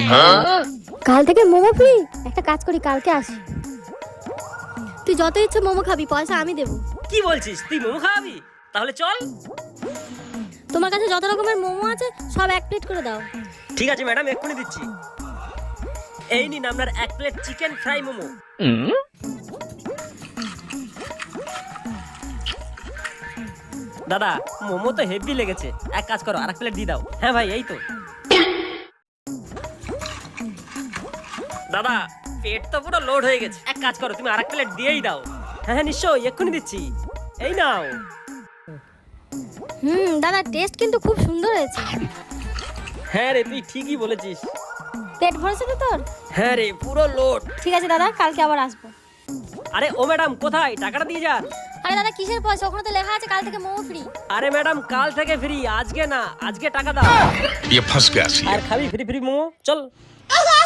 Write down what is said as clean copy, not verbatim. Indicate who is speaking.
Speaker 1: কাল থেকে মোমো ফ্রি। একটা কাজ করি, কালকে আসি। তুই যত ইচ্ছে মোমো খাবি, পয়সা আমি দেবো।
Speaker 2: কি বলছিস, তুই মোমো খাওয়াবি? তাহলে চল।
Speaker 1: তোমার কাছে যত রকমের মোমো আছে সব এক প্লেট করে দাও।
Speaker 2: ঠিক আছে ম্যাডাম, এক্ষুনি দিচ্ছি। এই নিন আপনার 1 প্লেট চিকেন ফ্রাই মোমো। দাদা, মোমো তো হেভি লেগেছে, এক কাজ করো, আর 1 প্লেট দিয়ে দাও। হ্যাঁ ভাই, এই তো। দাদা, পেট তো পুরো লোড হয়ে গেছে, এক কাজ করো, তুমি আর 1 প্লেট দিয়েই দাও। হ্যাঁ হ্যাঁ নিশ্চয়ই, এক্ষুনি দিচ্ছি, এই নাও।
Speaker 1: দাদা, টেস্ট কিন্তু খুব সুন্দর হয়েছে।
Speaker 2: হ্যাঁ রে, তুই ঠিকই বলেছিস।
Speaker 1: পেট ভরেছে তো তোর?
Speaker 2: হ্যাঁ রে, পুরো লোড।
Speaker 1: ঠিক আছে দাদা, কালকে আবার আসবো।
Speaker 2: আরে ও ম্যাডাম, কোথায় টাকাটা দিয়ে যান।
Speaker 1: আরে দাদা, কিসের পয়সা? ওখানে তো লেখা আছে কাল থেকে মোমো ফ্রি।
Speaker 2: আরে ম্যাডাম, কাল থেকে ফ্রি, আজকে না, আজকে টাকা দাও।
Speaker 3: ये फंस गया सी।
Speaker 2: আর খাবি ফ্রি ফ্রি মোমো, চল।